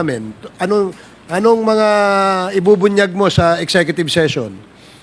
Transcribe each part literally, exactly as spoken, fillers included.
namin. Anong, anong mga ibubunyag mo sa executive session?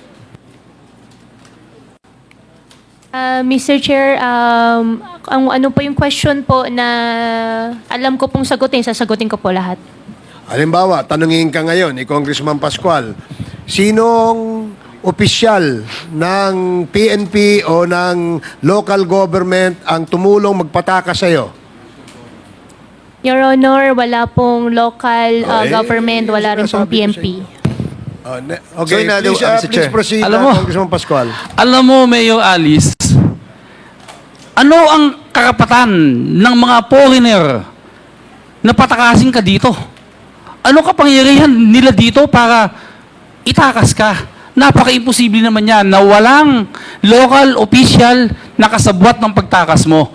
Uh, Mister Chair, um, ang ano po yung question po na alam ko pong sagutin, sasagutin ko po lahat. Halimbawa, tanungin ka ngayon ni Congressman Pascual, sinong opisyal ng P N P o ng local government ang tumulong magpataka sa iyo? Your Honor, wala pong local uh, Okay. government, wala rin pong Sinasabi ko P N sa P. Oh, ne- okay, So, in other- please, uh, uh, Mister please Chair. proceed, Alam uh, mo- Congressman Pascual. Alam mo, Mayor Alice, ano ang karapatan ng mga foreigner na patakasin ka dito? Ano kapangyarihan nila dito para itakas ka? Napaka-imposible naman yan na walang local official na kasabwat ng pagtakas mo.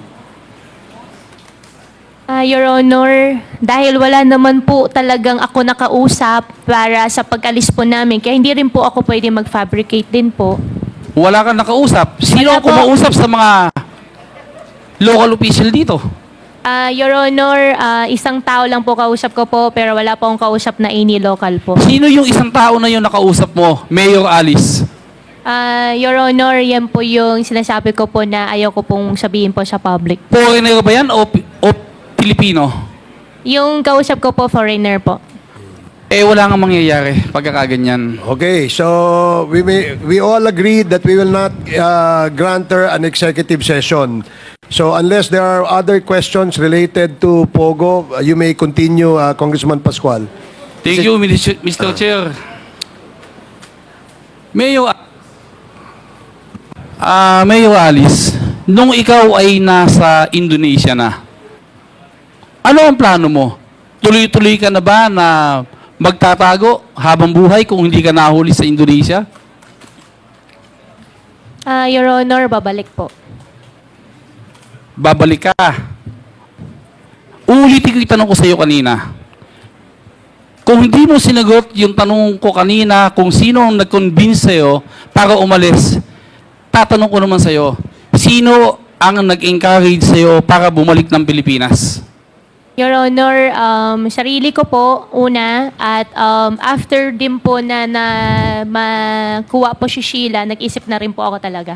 Uh, Your Honor, dahil wala naman po talagang ako nakausap para sa pag-alis po namin, kaya hindi rin po ako pwede mag-fabricate din po. Wala kang nakausap. Sino Wala ang po. kumausap sa mga local official dito? Uh, Your Honor, uh, isang tao lang po kausap ko po, pero wala po akong kausap na any local po. Sino yung isang tao na yung nakausap mo, Mayor Alice? Uh, Your Honor, yan po yung sinasabi ko po na ayaw ko pong sabihin po sa public. Foreigner ba yan o, o Pilipino? Yung kausap ko po, foreigner po. Eh, wala nga mangyayari pagkakaganyan. Okay, so we may, we all agreed that we will not uh, grant her an executive session. So unless there are other questions related to Pogo, uh, you may continue, uh, Congressman Pascual. Thank you, Mister Chair. Mayor, ah Mayor Alice, nung ikaw ay nasa Indonesia na, ano ang plano mo? Tuloy-tuloy ka na ba na magtatago habang buhay kung hindi ka nahuli sa Indonesia? Uh, Your Honor, babalik po. Babalik ka. Ulitin ko yung tanong ko sa iyo kanina. Kung hindi mo sinagot yung tanong ko kanina kung sino ang nag-convince sa'yo para umalis, tatanong ko naman sa'yo, sino ang nag-encourage sa'yo para bumalik ng Pilipinas? Your Honor, um, sarili ko po, una, at um, after din po na, na makuha po si Sheila, nag-isip na rin po ako talaga.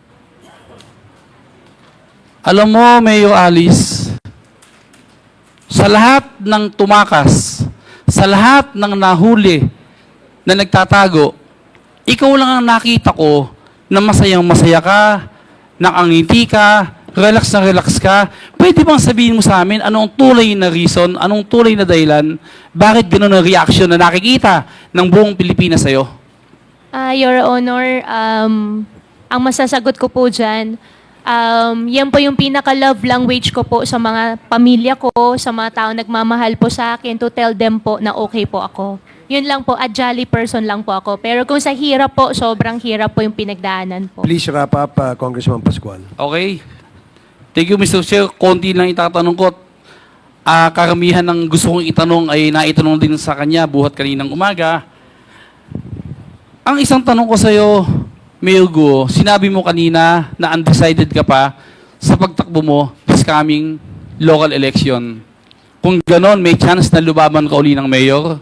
Alam mo, Mayor Alice, sa lahat ng tumakas, sa lahat ng nahuli na nagtatago, ikaw lang ang nakita ko na masayang masaya ka, nakangiti ka, relax na relax ka. Pwede bang sabihin mo sa amin anong tulay na reason, anong tulay na dahilan, bakit gano'n ang reaction na nakikita ng buong Pilipinas sa'yo? Uh, Your Honor, um, ang masasagot ko po dyan, um, yan po yung pinaka-love language ko po sa mga pamilya ko, sa mga tao nagmamahal po sa akin, to tell them po na okay po ako. Yun lang po, a jolly person lang po ako. Pero kung sa hirap po, sobrang hirap po yung pinagdaanan po. Please wrap up, uh, Congressman Pascual. Okay. Thank you, Mister Chair. Konti lang itatanong ko. Ah, karamihan ng gusto kong itanong ay naitanong din sa kanya buhat kaninang umaga. Ang isang tanong ko sa iyo, Mayor Guo, sinabi mo kanina na undecided ka pa sa pagtakbo mo this coming local election. Kung ganon, may chance na lubaban ka uli ng mayor?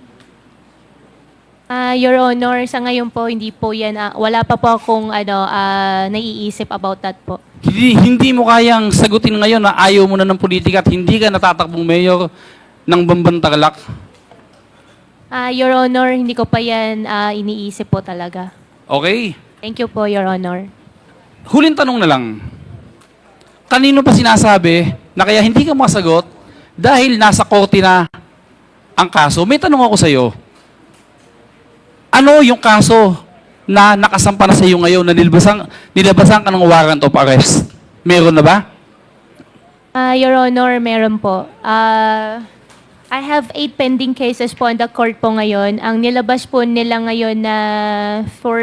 Ah, Your Honor, sa ngayon po, hindi po yan, ah, wala pa po akong ano, ah, naiisip about that po. Hindi, hindi mo kayang sagutin ngayon na ayaw mo na ng politika at hindi ka natatakbong mayor ng Bambantarlac? Ah, Your Honor, hindi ko pa yan ah, iniisip po talaga. Okay. Thank you po, Your Honor. Huling tanong na lang. Kanino pa sinasabi na kaya hindi ka masagot dahil nasa korte na ang kaso? May tanong ako sa iyo. Ano yung kaso na nakasampa na sa iyo ngayon na nilabasan, nilabasan ka ng warrant of arrest? Meron na ba? Ah, Your Honor, meron po. Ah, I have eight pending cases po in the court po ngayon. Ang nilabas po nila ngayon na for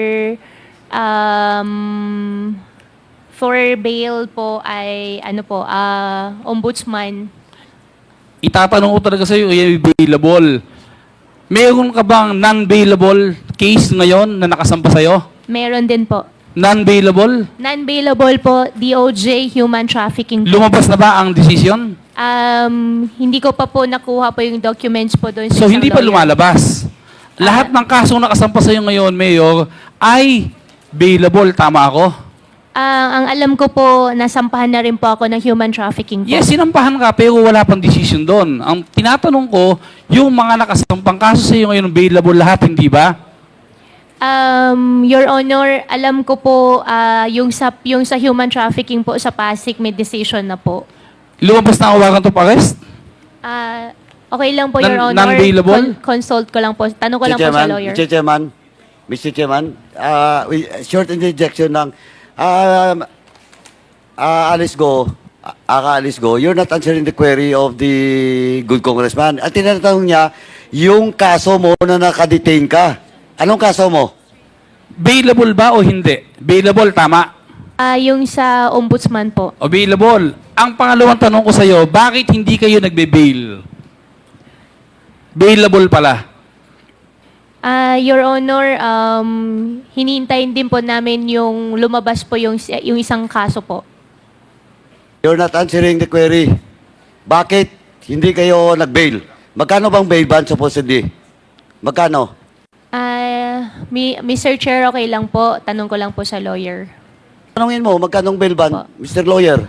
um, for bail po ay ano po, ah, ombudsman. Itatanong ko talaga sa iyo, ay available. Meron ka bang non-bailable case ngayon na nakasampa sa iyo? Meron din po. Non-bailable? Non-bailable po, D O J, human trafficking po. Lumabas na ba ang decision? Um, hindi ko pa po nakuha po yung documents po doon sa So, isang hindi pa lawyer. lumalabas. Lahat ng kasong nakasampa sa'yo ngayon, Mayor, ay bailable. Tama ako? Ah, ang alam ko po, nasampahan na rin po ako ng human trafficking po. Yes, sinampahan ka, pero wala pang decision doon. Ang tinatanong ko, yung mga nakasampang kaso sa'yo ngayon, bailable lahat, hindi ba? Um, Your Honor, alam ko po ah, yung sa yung sa human trafficking po sa Pasig may decision na po. Lumabas na ang warrant of arrest? Ah, okay lang po, Non- Your Honor. non-bailable? Con- consult ko lang po. Tanong ko lang po sa lawyer. Mister Chairman, Mister Chairman, uh, we, short interjection lang. Um, uh, Alice Go, uh, Aka Alice Go, you're not answering the query of the good congressman. At tinatanong niya, yung kaso mo na nakadetain ka. Anong kaso mo? Bailable ba o hindi? Bailable, tama. Ah, yung sa ombudsman po. O bailable. Ang pangalawang tanong ko sa'yo, bakit hindi kayo nagbe-bail? Bailable pala. Ah, Your Honor, um, hinintayin din po namin yung lumabas po yung, yung isang kaso po. You're not answering the query. Bakit hindi kayo nag-bail? Magkano bang bail ban supposedly? Magkano? Ah, mi Mister Chair, okay lang po. Tanong ko lang po sa lawyer. Tanungin mo, magkano bail ban, Po. Mister Lawyer?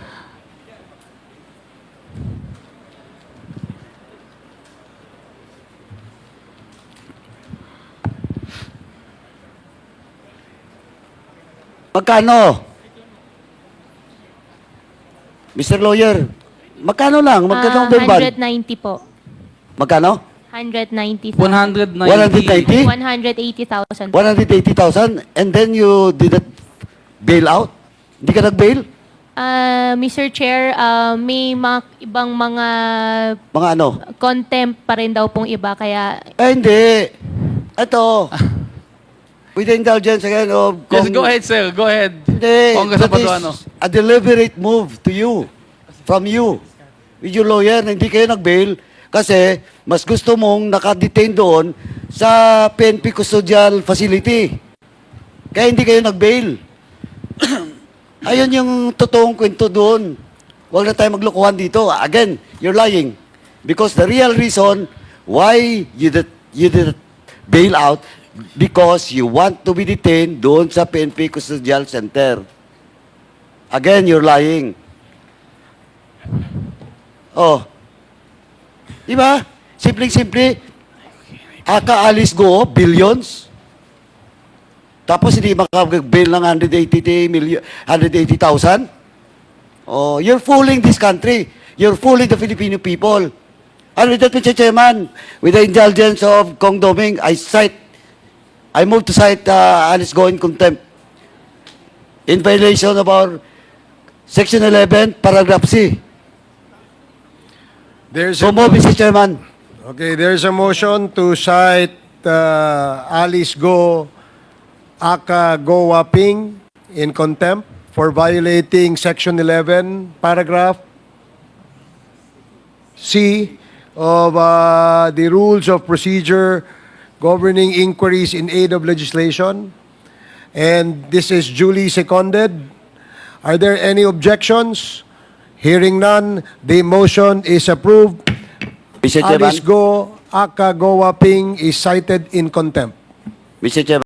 Magkano? Mister Lawyer, magkano lang? Magkano Ah, bail ban? one ninety po. Magkano? one ninety one ninety. one ninety? one eighty thousand. one hundred eighty thousand and then you didn't bail out? Hindi ka nag-bail? Ah, Mister Chair, ah, may mga ibang mga Mga ano? contempt pa rin daw pong iba kaya Eh, hindi. Ito. With the indulgence again of... Yes, Kong- go ahead, sir. Go ahead. Hindi. Congressman That is Paduano. a deliberate move to you. From you. With your lawyer na hindi kayo nag-bail kasi mas gusto mong nakadetain doon sa P N P Custodial Facility. Kaya hindi kayo nag-bail. Ayun yung totoong kwento doon. Huwag na tayo maglokohan dito. Again, you're lying. Because the real reason why you did, you did bail out because you want to be detained doon sa P N P Custodial Center. Again, you're lying. Oh. Di ba? Simpleng-simple. Aka Alice Go, billions. Tapos hindi makapag-bail ng one hundred eighty million, one hundred eighty thousand? Oh, you're fooling this country. You're fooling the Filipino people. And with that, Mister Chairman, with the indulgence of Kong Doming, I cite, I move to cite uh, Alice Go in contempt in violation of our Section eleven, Paragraph C. There's So a, move, Mister Chairman. okay, there's a motion to cite uh, Alice Go, Aka Go Waping in contempt for violating Section eleven, Paragraph C of uh, the Rules of Procedure governing inquiries in aid of legislation. And this is duly seconded. Are there any objections? Hearing none, the motion is approved. Mister Chairman. Alice Go, Aka Go Waping is cited in contempt. Mister Chairman.